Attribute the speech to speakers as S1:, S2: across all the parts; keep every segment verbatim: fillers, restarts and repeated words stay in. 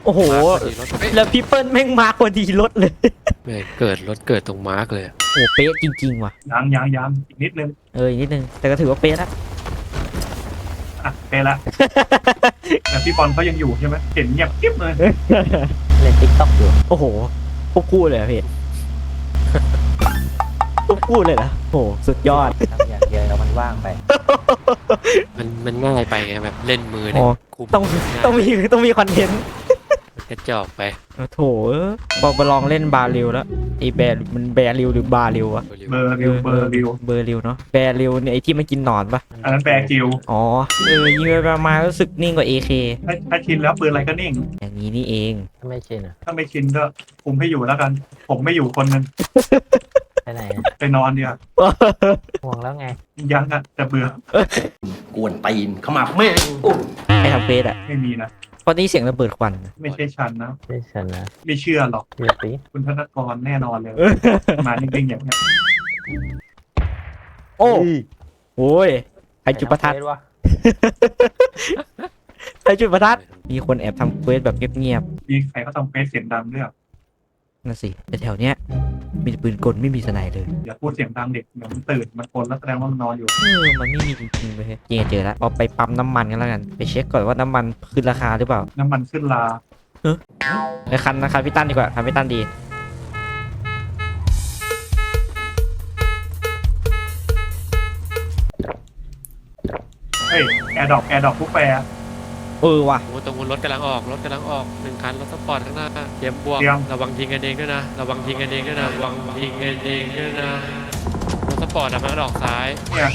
S1: โอ้โหแล้วพี่เปิ้ลแม่งมาพอดีรถเลย
S2: แม่งเกิดรถเกิดตรงมาร์กเลย
S1: โอ้เป๊ะจริงๆว่ะ
S3: ยังยังยังอีกนิดนึง
S1: เอออีกนิดนึงแต่ก็ถือว่าเป๊ะแล้ว
S3: อ่ะเป๊ะละแต่พี่บอลเขายังอยู่ใช่ไหมเห็นเงียบกิ๊บเลย
S4: เล่นติ๊กต็อกอยู่
S1: โอ้โหพวกคู่เลยอะพี่พวกคู่เลยนะโอ้สุดยอด
S4: ทำอย่างเดียวแล้วมันว่างไป
S2: มันมันง่ายไปไงแบบเล่นมือเนี่ย
S1: ต้องต้องมีต้องมีคอนเทนต์
S2: กระจอกไป
S1: โถบอกไปลองเล่นบาริวแล้วไอ้แบร์มันแบริวหรือบาริวอะ
S3: เบอร์ริวเบอร์ริว
S1: เบอร์ริวเนาะแบริวเนี่ยไอ้ที่มันกินหนอนปะ
S3: อันนั้นแบร์กิว
S1: อ๋อเออยิงไปประมาณรู้สึกนิ่งกว่า เอ เค
S3: ถ้าถ้าชินแล้วปืนอะไรก็นิ่ง
S1: อย่างนี้นี่เอง
S4: ถ้าไม่ชินอ่ะ
S3: ถ้าไม่ชินก็คุมให้อยู่แล้วกัน ผมไม่อยู่คนนึง
S4: ไปไหน
S3: ไปนอนเดียว
S4: ห่วงแล้วไง
S3: ยังอ่ะแต่เบื่อก
S5: วนตีนเข้ามาแม่
S1: ไอ้ทำเฟสอะ
S3: ไม่มีนะ
S1: เพราะนี่เสียงระเบิดควัน
S3: ไม่ใช่ฉันนะ
S4: ไม่ฉันนะ
S3: ไม่เชื่อหรอก
S4: เชื่อสิ
S3: คุณธนกรแน่นอนเลยมาจริงๆอย่างเงี้ย
S1: โอ้โหไอจุดประทัดไอจุดประทัดมีคนแอบทำเควสแบบเงียบ
S3: ๆมีใครเขาทำเควสเสียงดังด้วย
S1: นั่นสิแต่แถวเนี้ยมีปืนกลไม่มีสไนเลย
S3: อย่าพูดเสียงดังเด็กเดี๋ยวมันตื่นมันกลแล้วแสดงว่ามันนอนอยู่
S1: เออมันไม่มีจริงๆเลยจริงเจอแล้วเอาไปปั๊มน้ำมันกันแล้วกันไปเช็คก่อนว่าน้ำมันขึ้นราคาหรือเปล่า
S3: น้ำมันขึ้นรา
S1: เออไปคันนะคันพี่ตั้นดีกว่าคันพี่ตั้นดี
S3: เฮ้ยแอร์ดรอปแอร์ดรอปผู้แปร
S1: เออว่ะ
S2: โอ้ตรงรถกำลังออกรถกำลังออกหนึ่งคันรถสปอร์ตข้างหน้าเตรียมบวกระวังยิงกันเองด้วยนะระวังยิงกันเองด้วยนะระวังยิงกันเองด้วยนะรถสปอร์ตอะมันออกซ้าย
S3: เนี่ย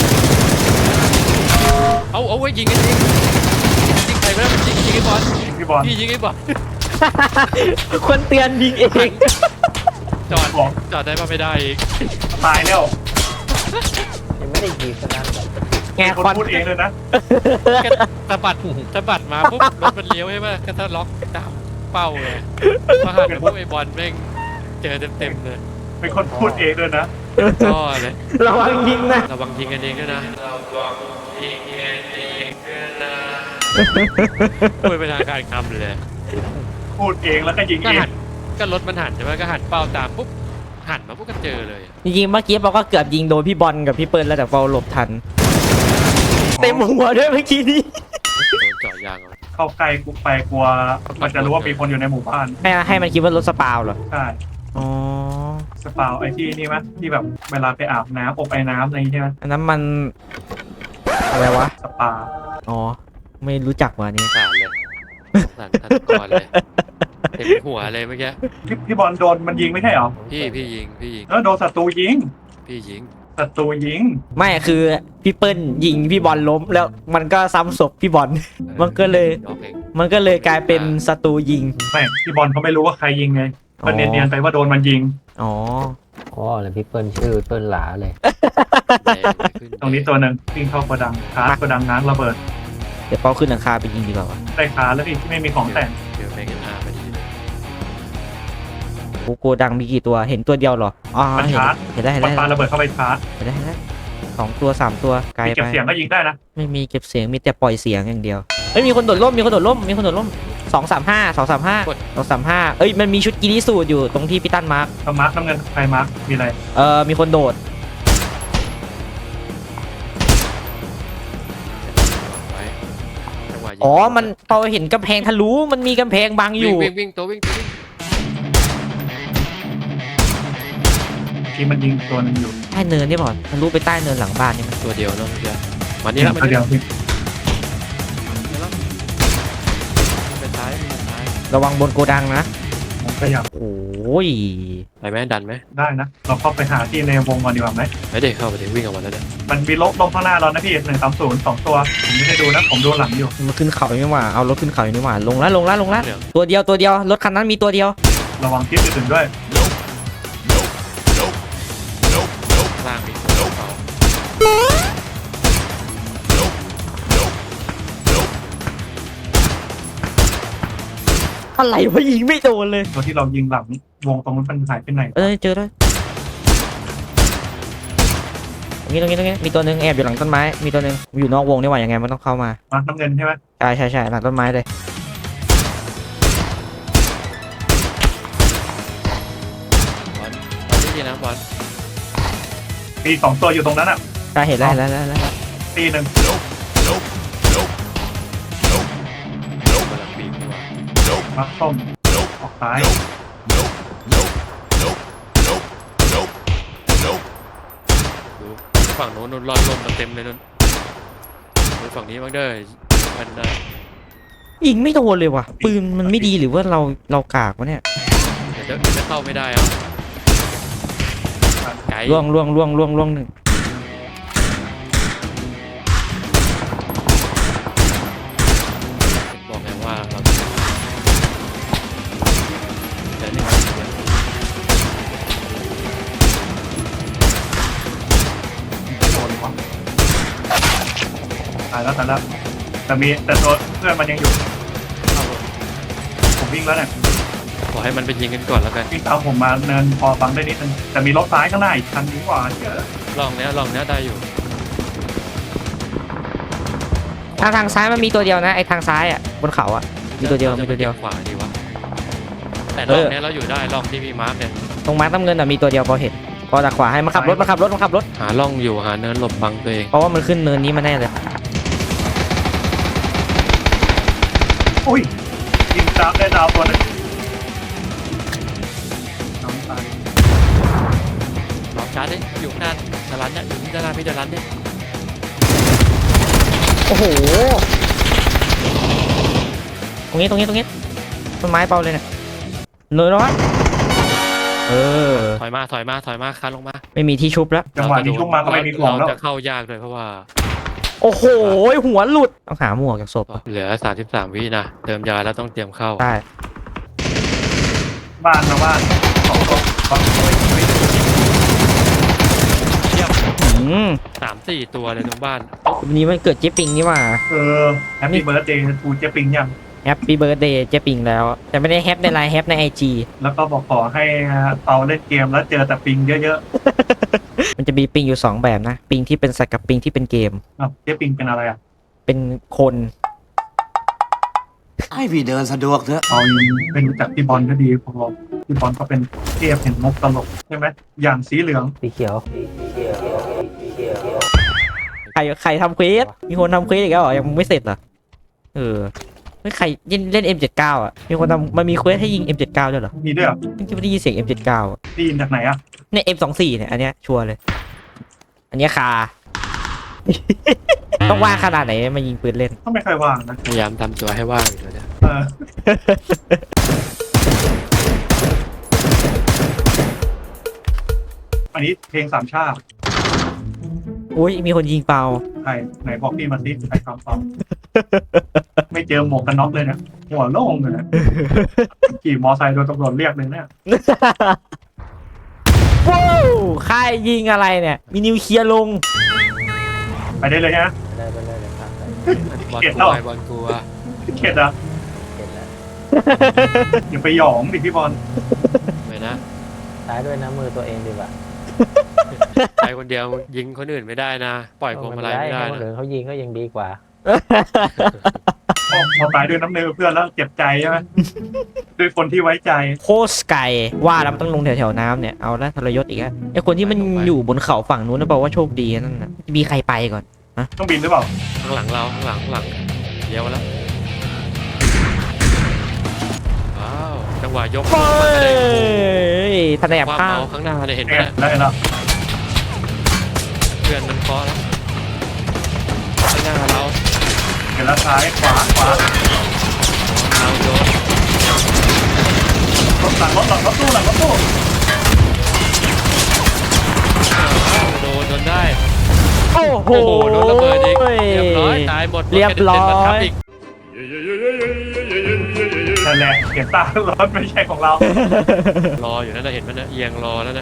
S2: เอาเอาไว้ยิงกันเองยิงใครไม่ได้ยิงยิงไอ้บอล
S3: พี่บอล
S2: พี่ยิงไอ้บอล
S1: คนเตือนยิงเอง
S2: จอดจอดได้ป่ะไม่ได้อีก
S3: ตายแล้ว
S4: ยังไม่ได้ยิงซะนะ
S3: แกคนพูดเองเลยนะ
S2: สะบัดสะบัดมาปุ๊บรถมันเลี้ยวใช่ไหมก็ถ้าล็อกตามเป้าเลยมาหันปุ๊บไอ้บอลแม่งเจอเต็มๆเลย
S3: เป็นคนพูดเองเลยนะ
S2: ก็เลย
S1: ระวังยิงนะ
S2: ระวังยิงกันเองด้วยนะระวังยิงกันเองด้วยนะพูดเป็นทางการคำเลย
S3: พูดเองแล้วก็ยิงเอง
S2: ก็รถมันหันใช่ไหมก็หันเป้าตามปุ๊บหันมาปุ๊บก็เจอเลย
S1: จริงๆเมื่อกี้เราก็เกือบยิงโดนพี่บอลกับพี่เปิ้ลแล้วแต่เราหลบทันเต็มหัวด้วยเมื่อกี้นี้
S2: โดนเจาะยาง
S3: เข้าใกล้กูไปกลัวมันจะรู้ว่ามีคนอยู่ในหมู่บ้าน
S1: ให้ให้มันคิดว่ารถสปาวเหรอ
S3: ใช่
S1: อ๋อ
S3: สปาวไอ้ที่นี่มั้ยที่แบบเวลาไปอาบน้ำอบไอ้น้ำอะไรใช่ไหม
S1: อันนั้นมันอะไรวะ
S3: สปา
S1: อ๋อไม่รู้จักว่ะนี่
S2: สารเลยสารทันก่อนเลยเต็มหัวเลยเมื่อกี้
S3: พี่พี่บอลโดนมันยิงไม่ใช่หรอ
S2: พี่พี่ยิงพี่ยิง
S3: เออโดนศัตรูยิง
S2: พี่ยิง
S3: ศัตรูยิง
S1: ไม่คือพี่เปิ้ลยิงพี่บอลล้มแล้วมันก็ซ้ำศพพี่บอลมันก็เลยมันก็เลยกลายเป็นศัตรูยิง
S3: ไม่พี่บอลเขาไม่รู้ว่าใครยิงไงมันเนียนๆไปว่าโดนมันยิง
S1: อ๋อ
S4: อ๋อแล้วพี่เปิ้ลชื่อเปิ้ลหลาเลย
S3: ตรงนี้ตัวหนึ่งวิ่งเข้ากระดังคาร์กระดังง้างระเบิด
S1: เดี๋ยวเป้าขึ้นหลังคาไปยิงดีกว่า
S3: ได้คาร์แล้วพี่ที่ไม่มีของแต่ง
S2: เดี๋ยวไปกันอาไปดี
S1: โอ้โกดังมีกี่ตัวเห็นตัวเดียวหรออ๋อเห็นเห็นได้เห็นได้
S3: ปาระเบิดเข้าไปชาร์จ
S1: เห็นได้เห็นได้สองตัวสามตัวไกลไป
S3: เก็บเสียงก็ยิงได้นะ
S1: ไม่มีเก็บเสียงมีแต่ปล่อยเสียงอย่างเดียวเอ้ยมีคนโดดร่มมีคนโดดร่มมีคนโดดร่มสองสามห้าสองสามห้าสองสามห้าเอ้ยมันมีชุดกีริสูตรอยู่ตรงที่พี่ตั้นมาร์ค
S3: มาร์คน้ำเงินใครมาร์คมีอะไร
S1: เออมีคนโดดอ๋อมันพอเห็นกำแพงทะลุมันมีกำแพงบังอยู่
S2: วิ่งวิ่งตัววิ่งตัววิ่ง
S3: ที่มันยิงตัวนึงอยู่
S1: ใต้เนินนี่บอลทะลุไปใต้เนินหลังบ้านนี่มัน
S2: ตัวเดียวเนาะเดียวมันนี่ละมัน
S3: เดียว
S2: ไปซ้ายไปซ้าย
S1: ระวังบนโกดังนะ
S3: ผมขยับ
S1: โอ้ย
S2: ไปไหมดันไหม
S3: ได้นะเราเข้าไปหาที่ในวงก่อนดีกว่าไหม
S2: ไม่ได้เข้าไปถึงวิ่งออกมาแล้วเนี่ย
S3: มันมีลบลงข้างหน้าเรานะพี่หนึ่งสามศูนย์สองตัวผมไม่ได้ดูนะผมดูหลังอยู่
S1: มันขึ้นเขาไม่หว่าเอารถขึ้นเขาไม่หว่าลงแล้วลงแล้วลงแล้วตัวเดียวตัวเดียวรถคันนั้นมีตัวเดียว
S3: ระวังทิศอื่นด้วย
S2: ล่างมีตัวเขา
S1: อะไรวะยิงไม่โดนเลย
S3: ตัวที่เรายิงหลังวงตรงนั้นมันหายไปไหน
S1: เออเจอแล้วตรงนี้ตรงนี้ตรงนี้มีตัวหนึ่งแอบอยู่หลังต้นไม้มีตัวหนึ่งอยู่นอกวงนี่หว่ายังไงมันต้องเข้ามา
S3: มาน้ำเงินใช่ไหม
S1: ใช่ใช่ใช่หลังต้นไม้เลย
S2: ที่นะบอล
S3: มีสองตัวอยู่ตรงนั้นอ่ะ
S1: ได้เห็นแล้วเห็นแล้วเห็นแล้วเห็นแล้ว
S3: ตีหนึ่ง
S2: กำลังปีกตัว
S3: มักส้มออกซ้าย
S2: ดูฝั่งโน้นนู่นรอดลมมาเต็มเลยนู่นดูฝั่งนี้บ้างเด้อมันได้
S1: ยิงไม่โดนเลยว่ะปืนมันไม่ดีหรือว่าเราเรากากวะเนี่ย
S2: เดี๋ยวเดี๋ยวจะเข้าไม่ได้เอาไกล
S1: ล่วงล่วงล่วงล่วงล่วงหนึ่ง
S2: บอกไงว่าเราเดี๋ยวนี่
S3: โดนวะตายแล้วตายแล้วแต่มีแต่ตัวเพื่อนมันยังอยู่
S2: เข้า
S3: ผมวิ่งแล้วเนี่ย
S2: ขอให้มันไปยิงกันก่อนแล้วกัน
S3: วิ่งตามผมมาเนินพอฟังได้นิดนึงแต่มีรถซ้ายข้างหน้าอีกคันนี้กว่าเยอะ
S2: ลองเนี้ยลองเนี้ยได้อยู่
S1: ทางทางซ้ายมันมีตัวเดียวนะไอ้ทางซ้ายอ่ะบนเขาอ่ะมีตัวเดียวมีตัวเดียว
S2: ขวาดีวะแต่ลองเนี้ยเราอยู่ได้ลองที่มีมาร์กเนี่ย
S1: ตรงมาร์คน้ำเงินอ่ะมีตัวเดียวพอเห็นพอจากขวาให้มาขับรถมาขับรถมาขับรถ
S2: หาล่องอยู่หาเนินหลบบังตัวเอง
S1: เพราะว่ามันขึ้นเนินนี้มาแน่เลย
S3: อุ้ยยิงดาวได้ดาวตัวนึงน้องตาย
S2: ลองชาร์จดิอยู่ข้างหน้าดารันเนี่ยอยู่ที่ดารันพี่ดารันเนี่ย
S1: โอ้โหตรงนี้ตรงนี้ตรงนี้ต้นไม้เปล่าเลยเนี่ยเนินร้อนเออ
S2: ถอยมาถอยมาถอยมาคันลงมา
S1: ไม่มีที่ชุบแล้ว
S3: จังหวะนี้ชุบมาก็ไม่มีของแล้ว
S2: เราจะเข้ายากเลยเพราะว่า
S1: โอ้โหหัวหลุดต้องหาหมวกจากศพอะ
S2: เหลือสามสิบสามวินะเติมยาแล้วต้องเตรียมเข้า
S1: ได้
S3: บ้านนะบ้านสองตัวสองตัวเฮ้ย
S1: อืม
S2: สามสี่ตัวเลยตรงบ้าน
S1: วันนี้มันเกิดเจ๊ปิงนี่หว่า
S3: เออแฮปปี้เบิร์ดเดย์ทูเจปิงยัง
S1: แฮปปี้เบิร์ดเดย์เจ๊ปิงแล้ว แต่ไม่ได้แฮปในไลน์แฮปในไอจี
S3: แล้วก็บอกขอให้เอาเล่นเกมแล้วเจอแต่ปิงเยอะ
S1: มันจะมีปิงอยู่สองแบบนะ ปิงที่เป็นสัตว์กับปิงที่เป็นเกม
S3: ๆอ้าวเจปิงเป็นอะไรอ่ะ
S1: เป็นคน
S5: ให้พี่เดินสะดวกเถอะ
S3: เอาเป็นรู้จักพี่บอลก็ดีผมบอกพี่บอลก็เป็นเทพเห็นมุกตลกใช่ไหมอย่างสีเหลือง
S4: สีเขียว
S1: ใครใครทำเควสมีคนทำเควสอีกแล้วเหรอยังไม่เสร็จเหรอเออไม่ใครเล่นเล่น เอ็ม เจ็ดสิบเก้า อ่ะมีคนทำมันมีเควสให้ยิง เอ็ม เจ็ดสิบเก้า ด้วยเหรอ
S3: มีด้วยเหรอ
S1: ที่ไม่ได้ยินเสียง เอ็ม เจ็ดสิบเก้า อ่ะ
S3: ได้ยินจากไหนอ่ะ
S1: เนี่ย เอ็ม สองสิบสี่ เนี่ยอันเนี้ยชัวร์เลย อันเนี้ยคา ต้องว่างขนาดไหนมายิงปืนเล่น
S3: ก็ไม่ค่อยว่างนะ
S2: พยายามทำตัวให้ว่างอยู่แล้วเนี่ย
S3: เอออันนี้เพลงสามชาติ
S1: อุ้ยมีคนยิงเปล่า
S3: ใครไหนบอกพี่มาสิใครทำฟังไม่เจอหมวกกันน็อกเลยเนี่ยหัวโล่งเลยนะขี่มอไซค์โดนตำรวจเรียกเลยเนี่ย
S1: ว้าวค่ายยิงอะไรเนี่ย มีนิวเคลียร์ลง
S3: ไปได้เลยฮะ
S4: ได้ไปเลยเลยครับ
S2: บอล
S3: เกลียด
S2: ก
S3: แล้
S2: ลั
S3: ว
S2: วบอลกลัว
S3: เข็ดอ่ะ
S4: เห็นแล้ว
S3: อย่าไปหยองดิพี่บอล
S2: ไม่นะ
S4: ซ้ายด้วยนะมือตัวเองดีกว่า
S2: ใครคนเดียวยิงคนอื่นไม่ได้นะ ปล่อยพวงมาลัยไม่ได้
S4: คน
S2: นะ
S4: อื่นเขายิงก็ยังดีกว่า
S3: พอพอตายด้วยน้ำเนือเพื่อนแล้วเจ็บใจใช่ไหมด้วยคนที่ไว้ใจ
S1: โคสไกว่าแล้วมันต้องลงแถวๆน้ำเนี่ยเอาละทรยศอีกแล้วไอคนที่มันอยู่บนเขาฝั่งนู้นนะบอกว่าโชคดีนั่นนะมีใครไปก่อน
S3: ต้องบินหรือเปล่า
S2: ข้างหลังเราข้างหลังข้างหลังเดี๋ยวแล้วว้าวจังหวะยก
S1: เฮ้ยทนาย
S2: ความ
S1: ข้า
S2: เมาว ข้างหน้าเนี่ยเห็นไหม
S3: เอ็ด
S2: เนี่ย
S3: ได้แล้ว
S2: เพื่อนมันเคาะแล้วข้างหน้าเรา
S3: เห็นแล้วซ้ายขวาขวา
S2: เราโดน
S3: รถหลังรถหลังรถตู้หลังรถตู้
S2: โดนจนได้
S1: โอ้โห
S2: โอ้โหโดนระเบิดอีกเรียบร้อยตายหมด
S1: เรียบร้อย
S2: ถกระเด็นมาทับอีก
S3: นั่นแหละเห็นตารถไม่ใช่ของเรา
S2: รออยู่นั่นนะเห็นมันนะเอียงรอแล้วนะ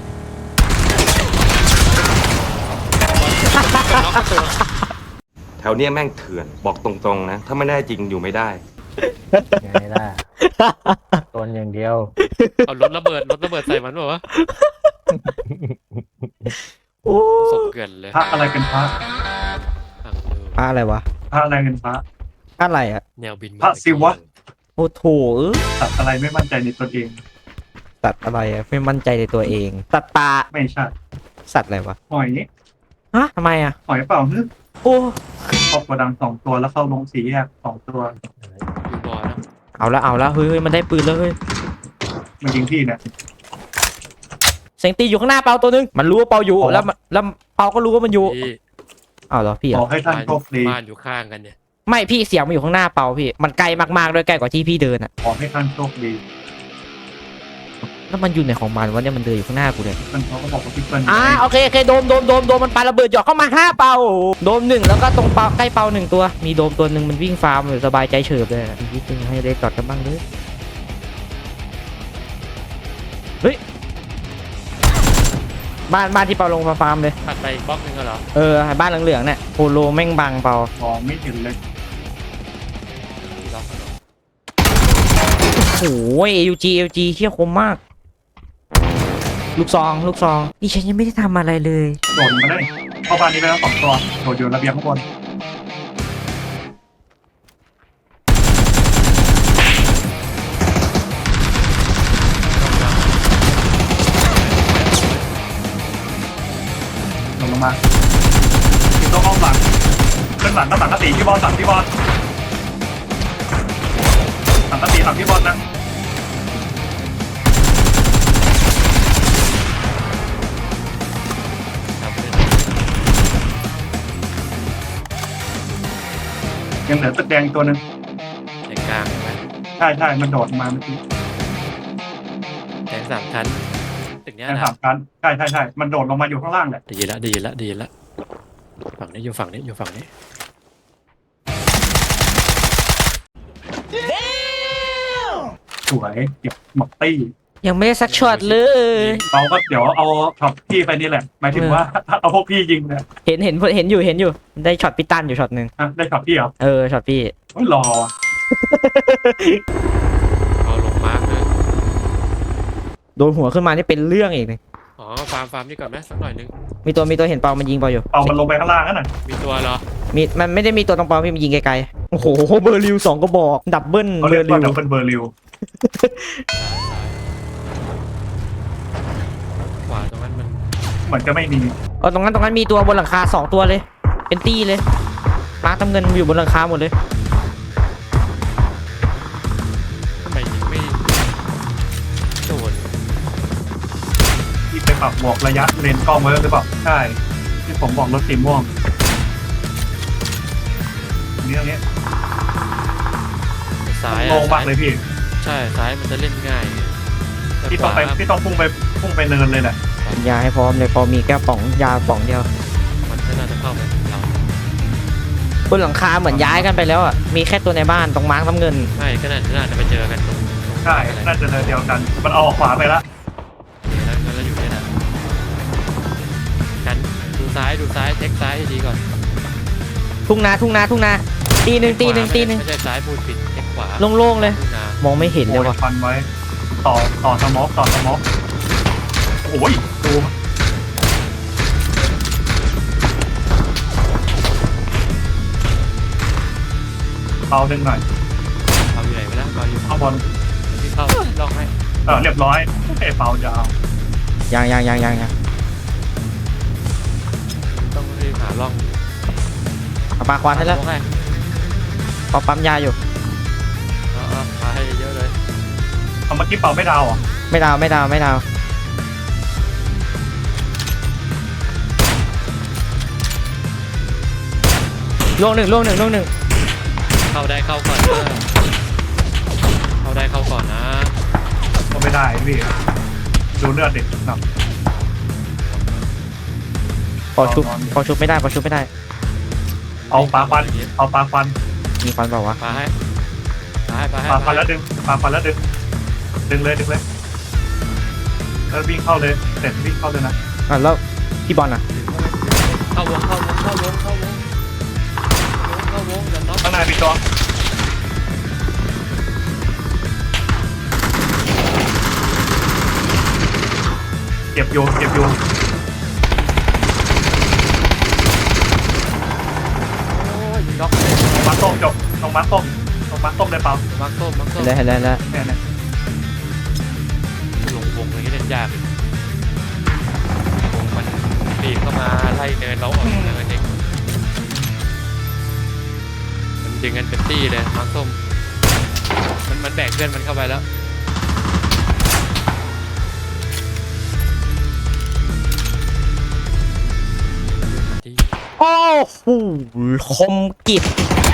S6: แถวเนี้ยแม่งเถื่อน บอกตรงๆนะ ถ้าไม่แน่จริงอยู่ไม่ได้
S4: ยังไงล่ะตนอย่างเดียว
S2: เอารถระเบิดรถระเบิดใส่มันเปล่าวะ
S1: โอ้
S2: ศพเกลื่อนเลย
S3: พระอะไรเป็นพระ
S2: อ่ะดู
S1: พระอะไรวะ
S3: พระอะไรเป็นพระ
S1: อะไรอ่ะ
S2: แนวบินมา
S3: พระศิวะ
S1: โอ้โถเออ
S3: สัตว์อะไรไม่มั่นใจในตนเอง
S1: สสัตว์อะไรอะไม่มั่นใจในตัวเองสัตว์ป่า
S3: ไม่ใช่
S1: สัตว์อะไรวะ
S3: หอย
S1: ฮะทำไมอะ
S3: หอยเปล่าฮึ
S1: โอ้
S3: เข้าโกดังสองตัวแล้วเข้าลงสีแยกสองตัว
S2: อยู่บ่อนะ
S1: เอาละเอาละเฮ้ยเฮ้ยมันได้ปืนแล้วเฮ้ย
S3: มันยิงพี่เนี่ย
S1: เสียงตีอยู่ข้างหน้าเปาตัวนึงมันรู้ว่าเปาอยู่แล้วมันแล้วเปาก็รู้ว่ามันอยู่
S2: พี่
S1: เอาเหรอพี่
S3: ข
S1: อะ
S3: อให้ท่านโชคดี
S2: บ้านอยู่ข้างกันเนี่ย
S1: ไม่พี่เสียงมันอยู่ข้างหน้าเปาพี่มันไกลมากๆด้วยใกล้กว่าที่พี่เดินอะ
S3: ขอให้ท่านโชคดี
S1: แล้วมันอยู่ในของมันวะเนี่ยมันเดินอยู่ข้างหน้ากูเลย
S3: มันเขาก็บอกว่าพี่เปิ้ล
S1: อ่าโอเคโอเคโดมโดมโดมโดมมันปาระเบิดหยอกเข้ามาห้าเปาโดมหนึ่งแล้วก็ตรงเปาใกล้เปาหนึ่งตัวมีโดมตัวหนึ่งมันวิ่งฟาร์มอยู่สบายใจเฉิบเลยอีกนิดนึงให้ได้จอดกันบ้างเลยเฮ้ยบ้านบ้านที่เปาลงมาฟาร์มเลย
S2: ถัดไปอีกบล็อกหนึงก็เหรอ
S1: เออบ้านเหลืองๆเนี่ยโฮโลแม่งบังเปาม
S3: องไม่เห็นเลย
S2: ที่ล็อกกันเหรอ
S1: โอ้ย เอ ยู จี เอ ยู จี เชี่ยคมมาก ลูกซองลูกซองนี่ฉันยังไม่ได้ทำอะไรเลย
S3: โดดมาได้เข้าบ้านนี้ไปแล้วสองตัวโดดอยู่ระเบียงข้างบนลงมาที่ต้องห้องหลังขึ้นหลังก็สั่งกติพี่บอลสั่งพี่บอลสั่งกติสั่งพี่บอลนะ
S2: ทำเป็น
S3: ยังเหลือตึกแดงอีกตัวหนึ่ง
S2: ในกลางใช่ไหม
S3: ใช่ใช่มันโดดมาเมื่อกี้
S2: แทงสามชั้นตึกเนี้ย
S3: แค่
S2: นะ
S3: สามกันใช่ใช่ใช่มันโดดลงมาอยู่ข้างล่างแหละ
S2: ได้ยินละได้ยินละได้ยินละฝั่งนี้อยู่ฝั่งนี้อยู่ฝั่งนี้
S3: สวยเก็บหมดตี้
S1: ยังไม่ได้สักช็อตเลย
S3: เราก็เดี๋ยวเอาช็อตพี่ไปนี่แหละหมายถึงว่า เอาพวกพี่ยิงเนี่ย
S1: เห็นเห็นเห็นอยู่เห็นอยู่ได้ช็อตพี่ตันอยู่ช็อตหนึ่ง
S3: อ่ะได้ช็อตพี่เหรอ
S1: เออช็อตพี่
S3: โอ้ยรอ
S2: เอาลงมาร์กเลย
S1: โดนหัวขึ้นมานี่เป็นเรื่องอีกเลย
S2: อ๋อฟาร์มฟาร์มนี่ก่อนไหมสักหน่อยนึง
S1: มีตัวมีตัวเห็นเปามันยิงเปาอยู่
S3: เอามันลงไปข้างล่างนั่นน่ะ
S2: มีตัวเหรอ
S1: มีมันไม่ได้มีตัวตรงเปาพี่มันยิงไกลๆโอ้โหเบอร์ริวสองกระบอกดับเบิล
S3: เขา
S1: เบ
S3: เรี
S1: อย
S3: ก
S1: ร์ริ
S3: ว่าว ดับเบิลเบอร์ริว
S2: ขวาตรงนั้นมัน
S3: เหมือนจะไม่มี
S1: เออตรงนั้นตรงนั้นมีตัวบนหลังคาสองตัวเลย เป็นตี้เลยมาร์คตำเงินอยู่บนหลังคาหมดเลย
S2: ทำไมยิงไม่โดน
S3: ที่ไปปรับหมวกระยะเลนส์กล้องไว้หรือเปล่าใช่ที่ผมบอกรถสีม่วงอันนี้ตรงนี้
S2: ซ้าย
S3: โล่
S2: อะ
S3: งมากเลยพี่
S2: ใช่ซ้ายมันจะเล่นง่ายแต่
S3: พี่
S2: ข
S3: ต้อง
S2: วา
S3: ไปพี่ต้องพุ่งไปพุ่งไปเนินเลยแหละ
S1: ยาให้พร้อมเลยพอมีแก้วป๋องยาป๋องเดียว
S2: มันไม่น่าจะเข้าไปเรา
S1: บนหลังคาเหมือนย้ายกันไปแล้วอ่ะมีแค่ตัวในบ้านตรงมาร์คน้ำเงิน
S2: ไม่ก็น่าน่าจะไปเจอกันตรง
S3: ใช่น่าจะเนินเดียวกันมันเอาออกขวาไปละ
S2: แล้วแล้วอยู่เนี่ยนะกันดูซ้ายดูซ้ายเช็คซ้ายให้ดีก่อน
S1: ทุ่งนาทุ่งนาทุ่งนาตีหนึ่งตีหนึ่งตีหนึ่ง
S2: ไม่ใช่ซ้ายพูดผิดเช็คขวา
S1: โล่งๆเลย
S2: ทุ่งนาม
S1: องไม่เห็นเลย
S3: โอ้ย
S1: ว่ะ
S3: ฟันไว้ ต่อต่อสมอกต่อสมอกโอ้ยดูเบาดึงหน่อย
S2: เอาอยู่ไหนไปแล้วเอาอยู่
S3: ข้างบน
S2: ที่เข้าลองให้
S3: เออเรียบร้อยไอ้เบาจะเอา
S1: ยังยังยังยังยัง
S2: ต้องรีบหาล่อง
S1: เอาปลาควานให้แล้ว
S2: ลองให้
S1: พอปั๊มยาอยู่
S2: เอาเอามาให้เยอะเลย
S3: เอาเมื่อกี้เป่าไม่ดาวเหรอ
S1: ไม่ดาวไม่ดาวไม่ดาวล่วงหนึ่งล่วงหนึ่งล่วงหนึ่ง
S2: เข้าได้เข้าก่อนนะเข้าได้เข้าก่อนนะ
S3: ก็ไม่ได้พี่ดูเลือดเด็กหนัก
S1: พอชุบพอชุบไม่ได้พอชุบไม่ได้
S3: เอาปลาฟันเอาปลาฟัน
S1: มีฟันเปล่าวะ
S2: ปาให้ปาให้ปาให้
S3: ปลาฟันแล้วดึงปลาฟันแล้วดึงดึงเลยดึงเลยแล้ววิ่งเข้าเลยเสร็จวิ่งเข้าเลยนะ
S1: อ่ะแล้วพี่บอลอ่ะ
S2: เข้าวงเข้าวงเข้าวงเข้าวงเข้าวงอย่าน็อก
S3: ข้างในมีตัวเก็บโยเก็บโย
S2: โอ้ยน็อกเลย
S3: มาต้มจบตรงมาต้มตรงมาต้มได้เปล่า
S2: มักต้มมักต้ม
S1: เห็นแล้วเห็นแล้วเห็นแล้ว
S3: เนี่ยเนี่ย
S2: ลงวงยากวงมันปีบเข้ามาไล่เนินเราออกเนินเองมันดึงกันเป็นตี้เลยมาร์คส้มมันมันแบกเพื่อนมันเข้าไปแล้ว
S1: โอ้โหคมกิบ